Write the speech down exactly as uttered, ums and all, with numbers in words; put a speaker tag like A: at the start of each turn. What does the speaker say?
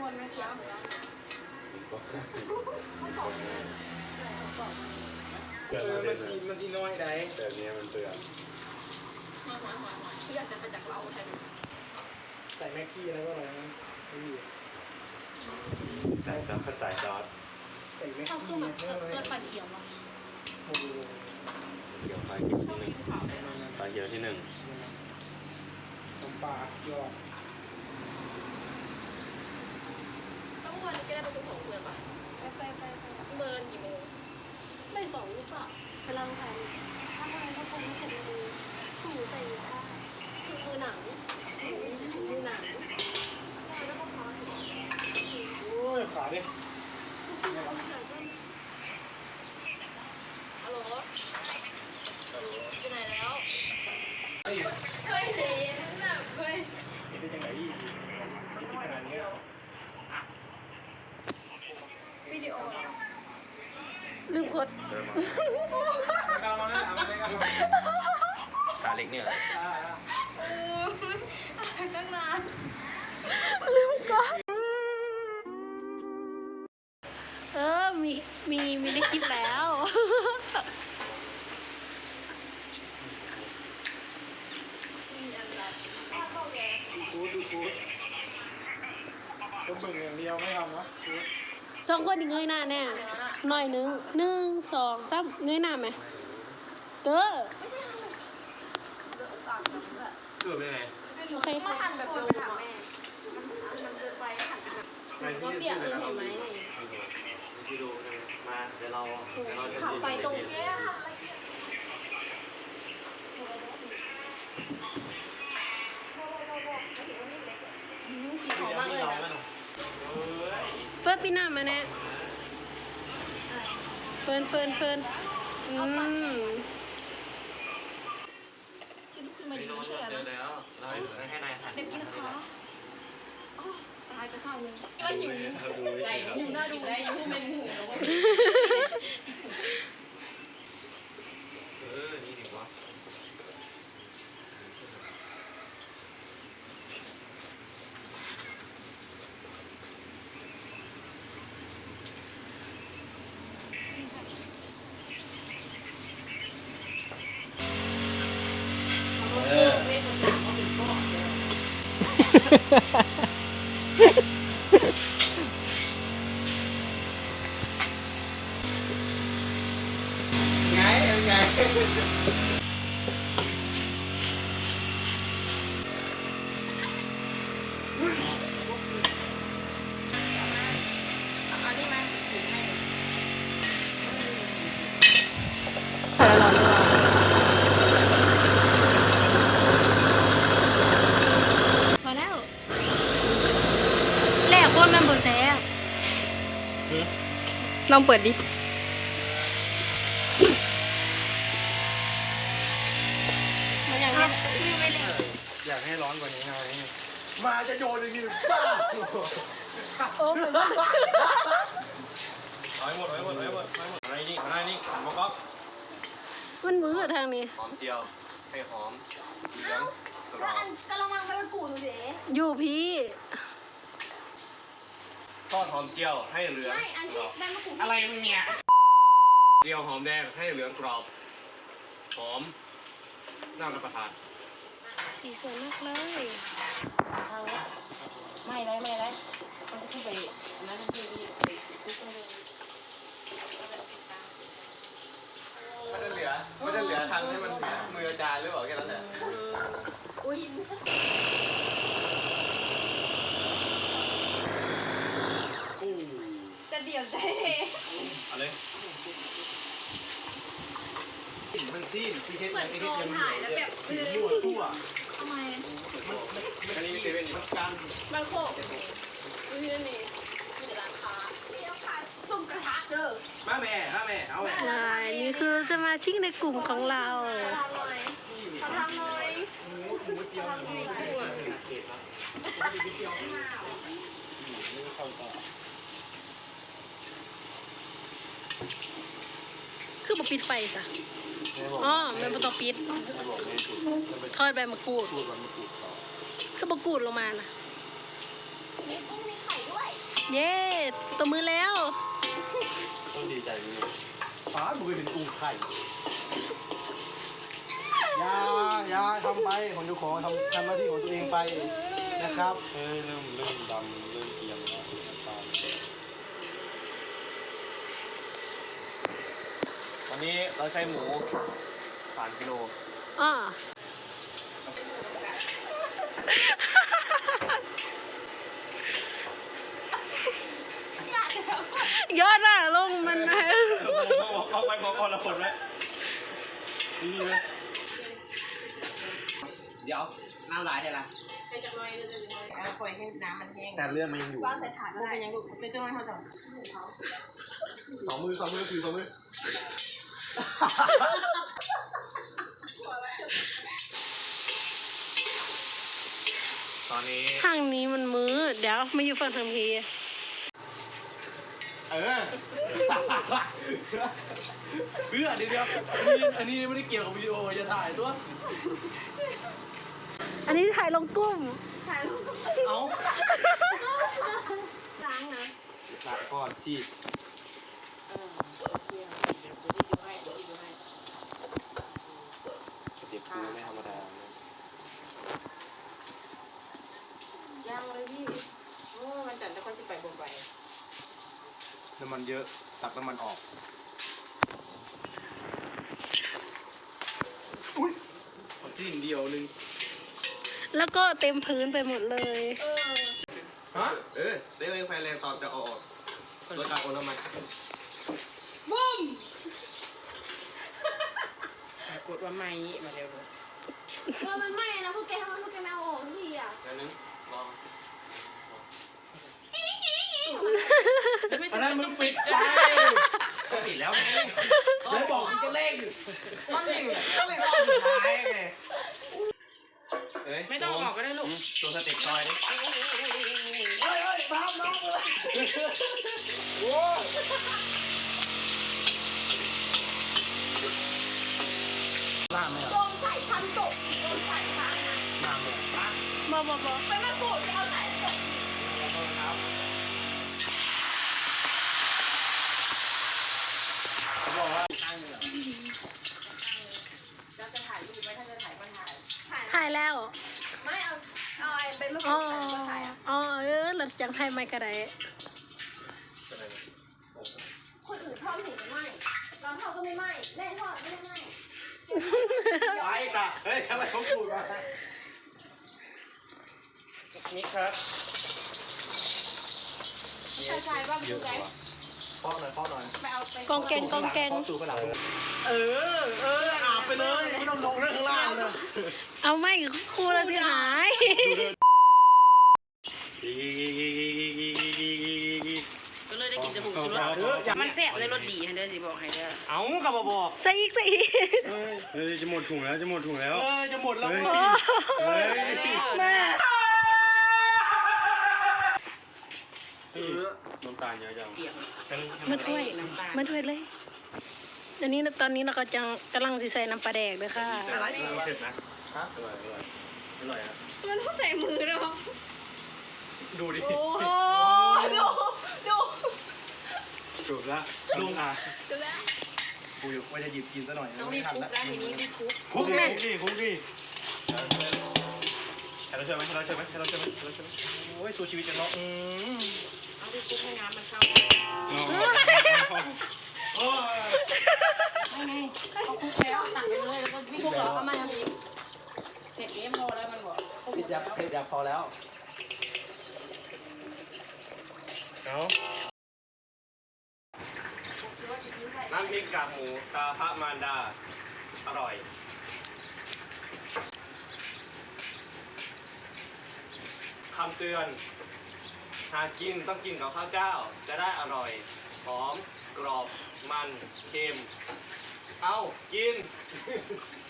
A: วนนะจ๊ะ
B: เออมันซีมันซีน้อยได้แต่เนี้ยมันเตือน
A: อยากจะไปจากเราใช่ไหม
B: ใส่แม็กกี้แล้วก็อะไรนะไม่มี
C: ใส่ซอสใส่ซอส
B: ใส่แม็ก
A: เขาคื
B: กี้
A: อแบบเสื้อฟันเขียวมั้ง
B: โอ้โห
C: เกี่ยวไฟเกี่ยวที่หนึ่งไฟเกี่ยวที่หนึ่ง
B: น้ำปลายอด
A: ต้องวันนี้ก็ได้ประตูสองเดือนป่ะไปไปไปเมินกี่โมงไม่สองหรือเปล่าไปลองถ่ายถ้าไม่ก็คงไม่เสร็จมือถูใส่ผ้าคือมือหนังมือหนังใช่แล้วก็พอ
B: โอ้ยขาดิ
A: ฮัลโหลอยู่ไหนแล้ว
B: เฮ้ย
A: เฮ้ยเห็นแบบเฮ้ย
B: เป็นยังไงอีกขนาดนี้
A: วิดีโอลืมกด
C: ขาเล็กเนี่ย
A: ตั้งนานลืมกดเออมีมีมีได้คลิปแล้ว
B: ดูดูดูต้องเบิ่งอย่างเดียวไม่ทำนะ
A: สองคนเงยหน้าแน่หน่อยนึงหนึ่งสองสามเงยหน้าไหมเก้อ
C: เกือบได้ไง
A: โอเคมาหันแบบโดนอะแม่มันเดินไปหันว่าเปียกเลยเห็นไหมนี่
C: วิดีโอมาเดี๋ยวเราเดี๋ยวเราจะ
A: ขับไปตรงแก้วสีหอมมากเลยนะเฟิร์นปีหน้ามาแน่เฟิร์นเฟิร์นเฟิร์นอืมที่ลุกขึ้นมายืนเฉยๆ
C: เจอแล้วเราให้นายหัน
A: เด็กกินนะคะตายไปข้าวนึงก็หิวใจหิวหน้าดูได้หิวเป็นหู
C: เออนี่ดีวะ
B: ไงไง
A: อันนี้ไหมมาแล้วแรกคนมันบนแท้ลองเปิดดิมันยังไม่ไม่เล่น
B: อยากให้ร้อนกว่านี้ไงมาจะโยนเลยคือบ้า
A: โอ้เหมือนว่า
C: เอาให้หมดเอาให้หมดเอาให้หมดเอาให้หมดอะไรนี่อะไรนี่หันมาก๊อก
A: มันมือทางนี้
C: หอมเจียวให้หอมเหลืองกรอบ
A: กะละมังมันปูดูดิอยู่พี่
C: ทอดหอมเจียวให้เหลือง
A: ไม่อันที่แม่มาปู
C: อะไรมึงเนี่ยเจียวหอมแดงให้เหลืองกรอบหอมน่ารับประทาน
A: สีสวยมากเลยไม่ไรไม่ไรมันจะขึ้นไปนั่นคือไปซุปเลย
C: ไม่ได้เหลือไม่ได้เหลือทางให้มันมืออาจารย์หรือเปล่าแค่นั้นแหละ
A: อุ้ยจะเดี่ยวได้
C: อะไรมันซีนที่เทส
A: เหมือนกองถ่ายแล้วแบบเออ
C: ทั่วทั่ว
A: ทำไม
C: มันอันนี้เซเว่นมันการ
A: มันโคกอุ้ยนี่มีร้านค้าเดี๋ยวค่ะส้มกระทะเด้อ
C: มาแม่มาแม่เอาแม่
A: นี่คือสมาชิกในกลุ่มของเราทำหน่อยทำหน่อยทำหน่อยคือบอกปิดไฟซะอ๋อมันเป็นตัวปิดทอดใบมะกรูดคือมะกรูดลงมานะมีกุ้งมีไข่ด้วย
D: เย้ตบมือแล้ว
C: ต้องดีใจนี่
B: ฟ้าบุกไปเป็นกุ้งไข่ยายาทำไปของเจ้าของทำทำหน้าที่ของตัวเองไปนะครับ
C: เฮ้ยเริ่มเริ่มดำเริ่มเอียงแล้วน้ำตาลวันนี้เราใช้หมูสามกิโล
D: อ่า ยอดอ่ะลงมันนะ
C: เข้าไปพอคนละคนไหมนี่ไหม
B: เดี๋ยวน้ำลายใช่ไหม
A: เป็นจังเลยเลยเอาปล่อยให้น้ำมันแห้ง
B: แต่เลือดมันยังอยู่
A: วางใส่ถาดก็ได้เป็นยังลูกเป็นจังเลยเขาจะ
B: สองมือสองมือถือสองมือ
C: ตอนนี้
D: ทางนี้มันมือเดี๋ยวมาอยู่ฝั่งทางพี
B: เออเพื่อเดี๋ยวเดี๋ยวอันนี้อันนี้ไม่ได้เกี่ยวกับวิดีโอจะถ่ายตัว
D: อันนี้ถ่ายลงกุ้ม
A: ถ่ายรูป
B: เอา
A: ล้างนะ
B: หลักก่อนสิ
A: เออโอเคเดี๋ยวดีดูให้เดี๋ยวดีดูให้
C: เด็กคือไม่ธรรมดา
A: ย่างเลยพี่โอ้มันจัดจะค่อยสิไปบนไป
B: น้ำมันเยอะตักน้ำมันออก
C: จิ้มเดียวนึง
D: แล้วก็เต็มพื้นไปหมดเลย
A: เออ
B: ฮะ
C: เออได้เลยไฟแรงตอนจะเอาออกโดยการโอนน้ำมัน
A: บุ้มกดว่าไม่มาเร็วเลยเออมันไหม้นะพวกแกทำไมพวกแกไม่เอาออกทีอ่ะ
C: อันนึงลอง
B: อันนั้นมึงปิดไฟปิดแล้วไงแล้วบอกมึงจะเร่งก็เร่งก็เร่งรอบสุดท้ายไง
A: ไม่ต้องออกก็ได้ลูก
C: ตัวสเต็ปซอยนี่
B: เฮ้ยเฮ้ยตามน้องเลยโอ้ล่างไหมอ่ะ
A: โดนใส่ทันตกโดนใส่ทันนะ
B: ล่างเลยล่าง
D: บอบอบอ
A: ไปมาโกรธจะเอาใส่ตก
B: ครับเขาบอกว่าข้างเหนือ
A: จะจะถ่ายรูปไหมถ้าจะถ่ายก็ถ่าย
D: ถ่ายแล้ว
A: ไม่เอาเอาไอ้เป็นมะก
D: อ๋
A: รู
D: อ
A: ดใส่ก็ถ่ายอ่ะ
D: อ๋อเออหลังจากถ่ายไม่กระได
A: คนอื่นทอดเห็นไหมเราทอดก็ไม่ไหมเล่นทอดไม่ได้ไหม
B: ไปกะเฮ้ยทำไมเขาพูดวะ
C: นี่ครับ
A: ใช่ใช่บ้างดูไง
B: ฟอกหน่อยฟอกหน่อย
A: ไปเอาไป
D: กองแกงกองแกง
B: ฟอกสู่กระดาษเออเอออาบไปเลยไม่ต้องลงเรื่องข้างล่างเลย
D: เอาไม่ครูละสิหาย
A: ก็เลยได้กินจมูกสุดรสมันแซ่บเลยรสดีให้เด้อสิบอกให้เด้อ
B: เอากลับมาบอก
D: ใส่อีกใส่อีก
C: เฮ้ยจะหมดถุงแล้วจะหมดถุงแล้ว
B: เออจะหมดแล้ว
C: เฮ้ย
D: แม่
C: น้ำตาลเยอะจัง
A: เปียก
D: มาถ้วยมาถ้วยเลยอันนี้ตอนนี้เราก็จะกำลังสิใส่น้ำปลาแดกเลยค่ะ
C: อะไรเผ็ดนะฮะอร่อยอร่อยอร่อยอ่ะ
A: มันต้องใส่มือนะมั้ง
C: ดูดิ
A: โอ้ดูดู
C: ถูกละลุงอ่ะ
A: ดูแล้ว
B: กูอยู่ว่าจะหยิบกินซะหน่อย
A: ต้องรีบคุกแล้วทีนี้รีบคุก
B: คุกแม่ดิคุกดิ
C: ให้เราช่วยไหมให้เราช่วยไหมให้เราช่วยไหมให้เราช่วยไหม
B: โอ้ยสู้ชีวิตจะเนาะอืม
A: เอารีบคุกให้น้ำมันเข้า
B: โอ้ย
A: ไม่ไงเขาคุกแล้วตักไปเลยแล้วก็วิ่งคุกเหรอเอามาทำอีกเผ็ดนี้พอแล้วมันบอก
B: เผ็ดยับเผ็ดยับพอแล้ว
C: เอาน้ำพริกกากหมูตาพระมารดา อร่อย คำเตือน หากกินต้องกินกับข้าวเจ้า จะได้อร่อย หอม กรอบ มัน เค็ม เอากิน